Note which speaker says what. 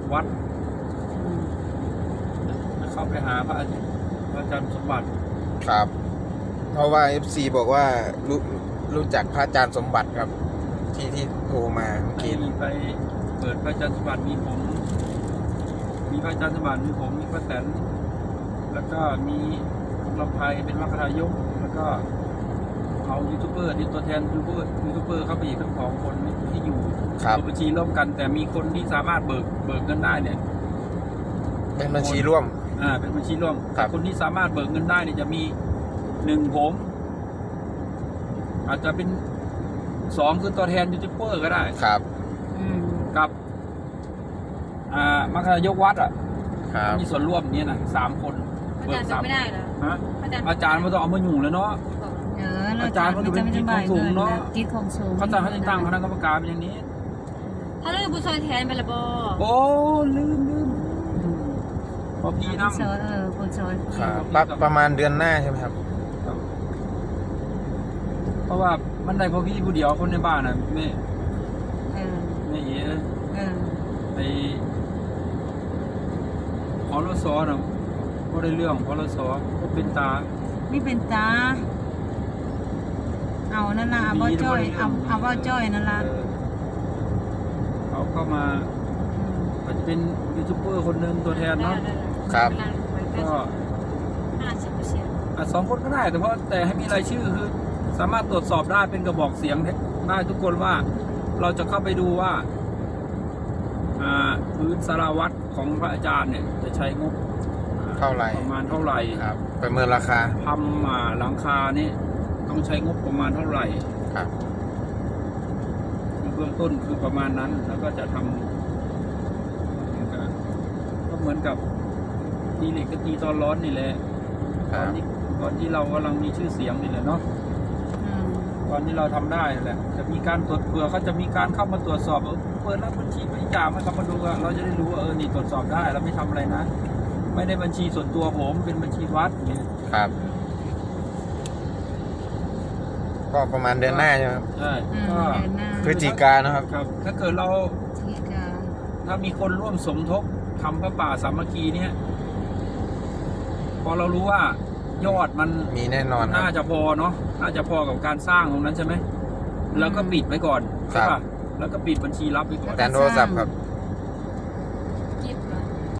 Speaker 1: วัดจะเข้าไปหาพระอาจารย์สมบัติ
Speaker 2: ครับ เพราะว่า FC บอกว่ารู้จักพระอาจารย์สมบัติครับ ที่โทรมาเมื่อกี้
Speaker 1: ไปเปิดพระอาจารย์สมบัติมีผมมีพระอาจารย์สมบัติมีผมมีพระแตนแล้วก็มีลำไพเป็นมรรคทายกแล้วก็เอายูทูบเบอร์ที่ตัวแทนยูทูบเบอร์เข้าไปอีกทั้ง2 คนที่อยู่บัญชีร่วมกันแต่มีคนที่สามารถเบิกเงินได้เนี่ย
Speaker 2: เป็นบัญชีร่วม
Speaker 1: เป็นบัญชีร่วมคนที่สามารถเบิกเงินได้เนี่ยจะมี1ผมอาจจะเป็น2คือตัวแทนยูทูบเบอร์ก็ได้
Speaker 2: ครับ
Speaker 1: กับมรรคทายกวัดมีส่วนร่วมเนี่ยนะ3 คน
Speaker 3: เบิก3ไม่ได้เหรอ
Speaker 1: อาจารย์มันต้องเอามาอยู่เลยเนาะอาจารย์มันเป็นจิตของสูงเนาะ
Speaker 3: จิตของสูง
Speaker 1: เขาจะตั้งคณะกรรมการเป็นอย่างนี้
Speaker 3: ถ้าเรื่องผู้ช่วยแทนไปละบ
Speaker 1: โอ้ลืมพอพี่น้ำ
Speaker 3: ผู้ช่วย
Speaker 2: ประมาณเดือนหน้าใช่ไหมครับ
Speaker 1: เพราะว่ามันได้พอพี่ผู้เดียวคนในบ้านน่ะไม่เอ๋ไปพอรสอน่ะก็ได้เรื่องพอรสอก็เป็นตา
Speaker 3: ไม่เป็นตาเอานั่นล่ะเอาว่าจ้อยเอาว่าจ้อยนั่นล่ะ
Speaker 1: เขาเข้ามาอาจจะเป็นยูทูบเบอร์คนหนึ่งตัวแทนเนาะ
Speaker 2: ครับ
Speaker 1: ก็2 คนก็ได้แต่ให้มีรายชื่อคือสามารถตรวจสอบได้เป็นกระบอกเสียงได้ทุกคนว่าเราจะเข้าไปดูว่าพื้นสารวัตรของพระอาจารย์เนี่ยจะใช้งบ
Speaker 2: เท่าไหร่
Speaker 1: ประมาณเท่าไหร่
Speaker 2: ครับประเมินราคา
Speaker 1: ทำหลังคานี่ต้องใช้งบประมาณเท่าไหร่
Speaker 2: ครับ
Speaker 1: เบื้องต้นคือประมาณนั้นแล้วก็จะทำก็เหมือนกับตีเหล็กกับตีตอนร้อนนี่แหละก่อนที่เรากำลังมีชื่อเสียงนี่แหละเนาะตอนที่เราทำได้แหละจะมีการตรวจเผื่อเขาจะมีการเข้ามาตรวจสอบเปิดรับบัญชีบริจาคมาเข้ามาดูเราจะได้รู้ว่านี่ตรวจสอบได้เราไม่ทำอะไรนะไม่ได้บัญชีส่วนตัวผมเป็นบัญชีวัดนี่
Speaker 2: ครับก็ประมาณเดือนหน้าใช่ไหมครับ
Speaker 1: ใช่ก็
Speaker 2: พฤศจิกานะครับ
Speaker 1: ถ้าเกิดเราถ้ามีคนร่วมสมทบทำพระป่าสามัคคีเนี่ยพอเรารู้ว่ายอดมัน
Speaker 2: มีแน่นอน
Speaker 1: น่าจะพอเนาะน่าจะพอกับการสร้างตรงนั้นใช่ไหมแล้วก็ปิดไว้ก่อนใช่ป่ะแล้วก็ปิดบัญชีรับไปก่อน
Speaker 2: การโทรศัพท์ครับ